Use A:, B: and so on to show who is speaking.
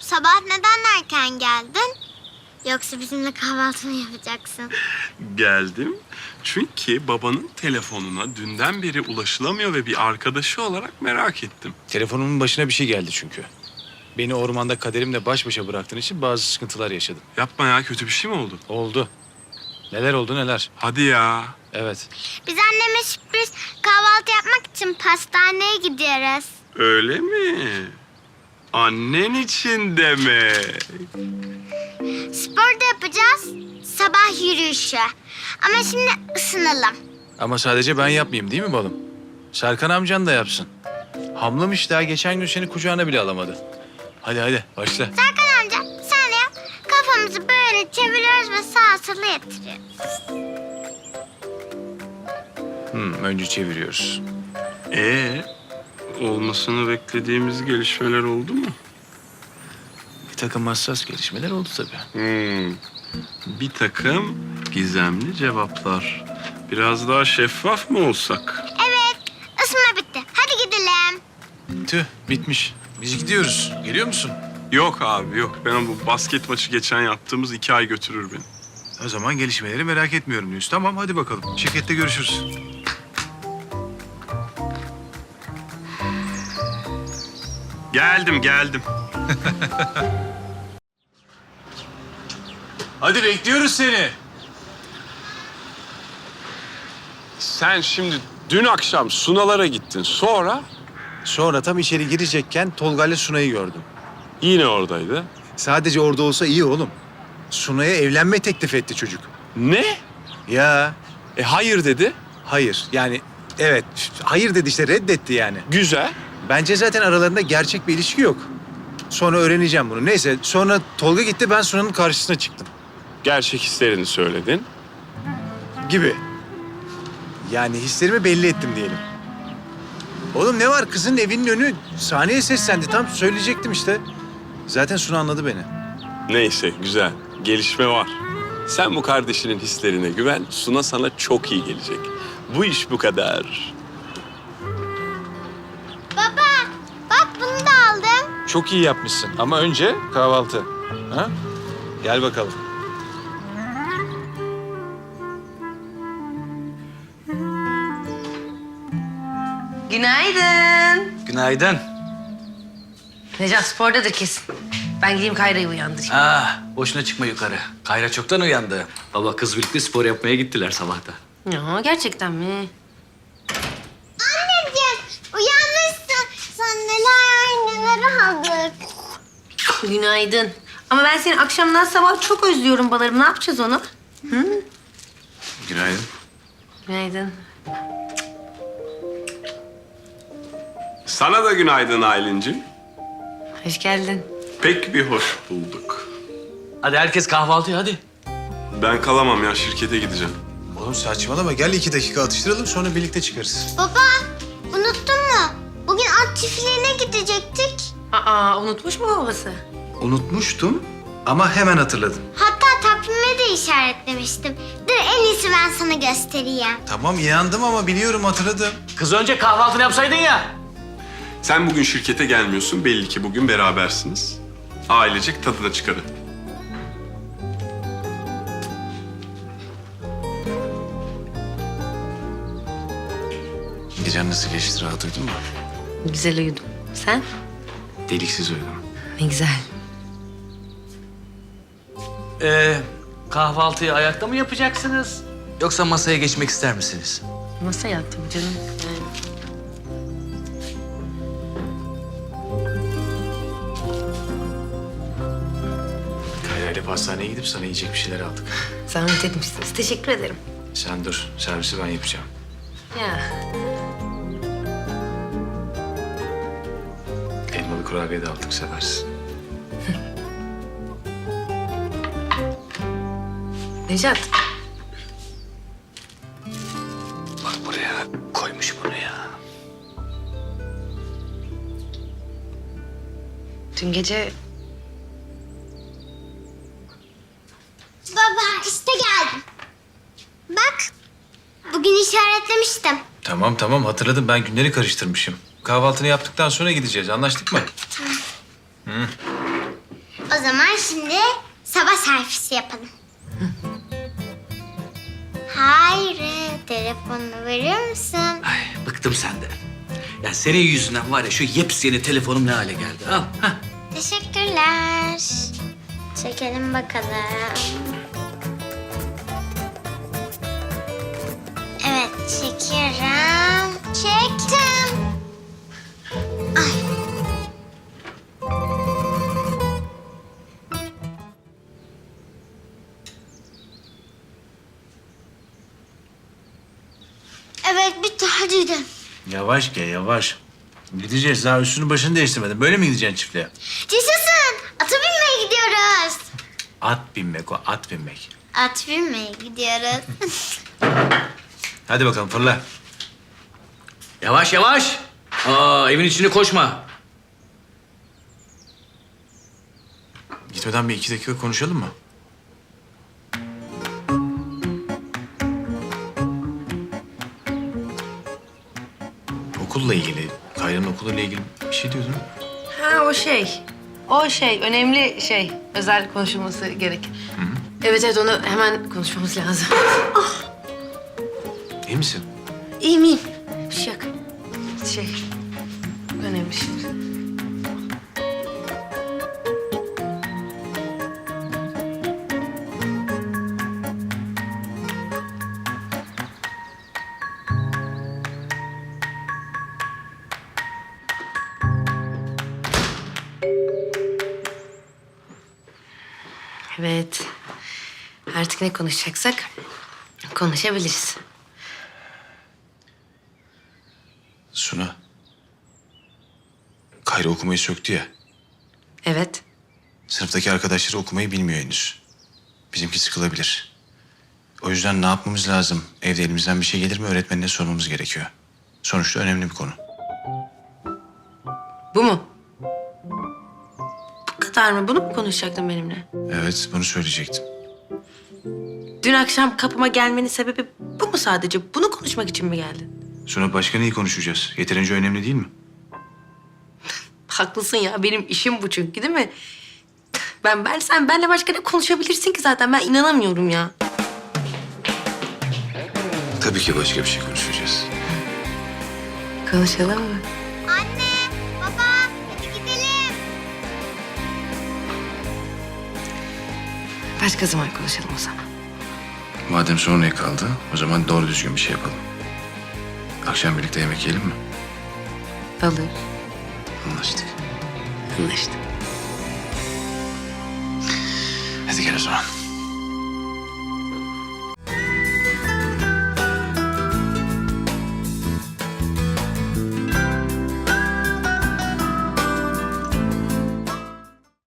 A: sabah neden erken geldin? Yoksa bizimle kahvaltı mı yapacaksın?
B: Geldim çünkü babanın telefonuna dünden beri ulaşılamıyor ve bir arkadaşı olarak merak ettim.
C: Telefonumun başına bir şey geldi çünkü. Beni ormanda kaderimle baş başa bıraktığın için bazı sıkıntılar yaşadım.
B: Yapma ya, kötü bir şey mi oldu?
C: Oldu. Neler oldu neler.
B: Hadi ya.
C: Evet.
A: Biz anneme sürpriz kahvaltı yapmak için pastaneye gidiyoruz.
B: Öyle mi? Annen için demek.
A: Spor da yapacağız. Sabah yürüyüşü. Ama şimdi ısınalım.
C: Ama sadece ben yapmayayım değil mi balım? Serkan amcan da yapsın. Hamlamış daha geçen gün seni kucağına bile alamadı. Hadi hadi başla.
A: Serkan amca sen de yap. Kafamızı böyle çeviriyoruz ve sağa sola yatırıyoruz.
C: Önce çeviriyoruz.
B: Olmasını beklediğimiz gelişmeler oldu mu?
C: Bir takım hassas gelişmeler oldu tabii.
B: Bir takım gizemli cevaplar. Biraz daha şeffaf mı olsak?
A: Evet, ısınma bitti. Hadi gidelim.
C: Tüh bitmiş. Biz gidiyoruz. Geliyor musun?
B: Yok abi yok. Ben bu basket maçı geçen yaptığımız 2 ay götürür beni.
C: O zaman gelişmeleri merak etmiyorum diyorsun. Tamam hadi bakalım. Şirkette görüşürüz.
B: Geldim.
C: Hadi bekliyoruz seni.
B: Sen şimdi dün akşam Sunalara gittin.
D: Sonra tam içeri girecekken Tolga ile Sunay'ı gördüm.
B: Yine oradaydı.
D: Sadece orada olsa iyi oğlum. Sunay'a evlenme teklif etti çocuk.
B: Ne?
D: Ya
B: Hayır dedi.
D: hayır yani evet hayır dedi işte reddetti yani.
B: Güzel.
D: Bence zaten aralarında gerçek bir ilişki yok. Sonra öğreneceğim bunu. Neyse sonra Tolga gitti ben Sunay'ın karşısına çıktım.
B: Gerçek hislerini söyledin.
D: Gibi. Yani hislerimi belli ettim diyelim. Oğlum ne var kızın evinin önü sahneye seslendi tam söyleyecektim işte. Zaten Suna anladı beni.
B: Neyse güzel. Gelişme var. Sen bu kardeşinin hislerine güven. Suna sana çok iyi gelecek. Bu iş bu kadar.
A: Baba, bak bunu da aldım.
C: Çok iyi yapmışsın ama önce kahvaltı. Ha? Gel bakalım.
E: Günaydın.
C: Günaydın.
E: Necat spordadır kesin. Ben gideyim Kayra'yı uyandırayım.
F: Boşuna çıkma yukarı. Kayra çoktan uyandı. Baba kız birlikte spor yapmaya gittiler sabahta.
E: Ya gerçekten mi?
A: Anneciğim, uyanmışsın. Sen neler aldık.
E: Günaydın. Ama ben seni akşamdan sabah çok özlüyorum balarım. Ne yapacağız onu?
C: Günaydın.
E: Günaydın.
B: Sana da günaydın Aylin'cim.
E: Hoş geldin.
B: Pek bir hoş bulduk.
F: Hadi herkes kahvaltıya hadi.
B: Ben kalamam ya, şirkete gideceğim.
D: Oğlum saçmalama gel 2 dakika atıştıralım sonra birlikte çıkarız.
A: Baba, unuttun mu? Bugün at çiftliğine gidecektik.
E: Aa unutmuş mu babası?
D: Unutmuştum ama hemen hatırladım.
A: Hatta takvime de işaretlemiştim. Dur en iyisi ben sana göstereyim.
D: Tamam inandım ama biliyorum hatırladım.
F: Kız önce kahvaltını yapsaydın ya.
B: Sen bugün şirkete gelmiyorsun. Belli ki bugün berabersiniz. Ailecek tadına çıkarın.
C: Gecen nasıl geçti rahat uyudun mu?
E: Güzel uyudum. Sen?
C: Deliksiz uyudum.
E: Ne güzel.
F: Kahvaltıyı ayakta mı yapacaksınız? Yoksa masaya geçmek ister misiniz?
E: Nasıl yattım canım?
C: Kayra ile pastaneye gidip sana yiyecek bir şeyler aldık.
E: Zahmet etmişsiniz. Teşekkür ederim.
C: Sen dur servisi ben yapacağım.
E: Ya.
C: Elmalı kurabiye de aldık seversin.
E: Necat.
C: Bak buraya koymuş bunu ya.
E: Dün gece
A: Baba işte geldim. Bak, bugün işaretlemiştim.
D: Tamam hatırladım ben günleri karıştırmışım. Kahvaltını yaptıktan sonra gideceğiz anlaştık mı?
A: O zaman şimdi sabah selfiesi yapalım. Hayri, telefonunu verir misin?
F: Ay bıktım senden. Ya senin yüzünden var ya şu yepyeni telefonum ne hale geldi. Al. Hah.
A: Teşekkürler. Çekelim bakalım. Evet, çekiyorum. Çektim. Ay. Evet, bitti. Hadi gidelim.
D: Yavaş gel yavaş. Gideceğiz daha üstünü başını değiştirmedin. Böyle mi gideceksin çiftliğe?
A: Yaşasın. Ata binmeye gidiyoruz.
D: At binmek o at binmek.
A: At binmeye gidiyoruz.
D: Hadi bakalım fırla.
F: Yavaş yavaş. Aa evin içine koşma.
D: Gitmeden bir 2 dakika konuşalım mı? Okulla ilgili, Kayra'nın okuluyla ilgili bir şey diyordun.
E: Ha o şey. O şey önemli şey. Özel konuşulması gerek. Evet evet onu hemen konuşmamız lazım.
D: İyi misin?
E: İyiyim iyiyim. Bir şey yok. Şey önemli şey. Evet. Artık ne konuşacaksak konuşabiliriz.
D: Suna. Kayra okumayı söktü ya.
E: Evet.
D: Sınıftaki arkadaşları okumayı bilmiyor henüz. Bizimki sıkılabilir. O yüzden ne yapmamız lazım? Evde elimizden bir şey gelir mi öğretmenine sormamız gerekiyor. Sonuçta önemli bir konu.
E: Bu mu? Bu kadar mı? Bunu mu konuşacaktın benimle?
D: Evet bunu söyleyecektim.
E: Dün akşam kapıma gelmenin sebebi bu mu sadece? Bunu konuşmak için mi geldin?
D: Sonra başka neyi konuşacağız? Yeterince önemli değil mi?
E: Haklısın ya. Benim işim bu çünkü değil mi? Sen benle başka ne konuşabilirsin ki zaten? Ben inanamıyorum ya.
D: Tabii ki başka bir şey konuşacağız.
E: Konuşalım mı?
A: Anne, baba, hadi gidelim.
E: Başka zaman konuşalım o zaman.
D: Madem sonraya kaldı, o zaman doğru düzgün bir şey yapalım. Akşam birlikte yemek yiyelim mi?
E: Olur.
D: Anlaştık.
E: Anlaştık.
D: Hadi gel o zaman.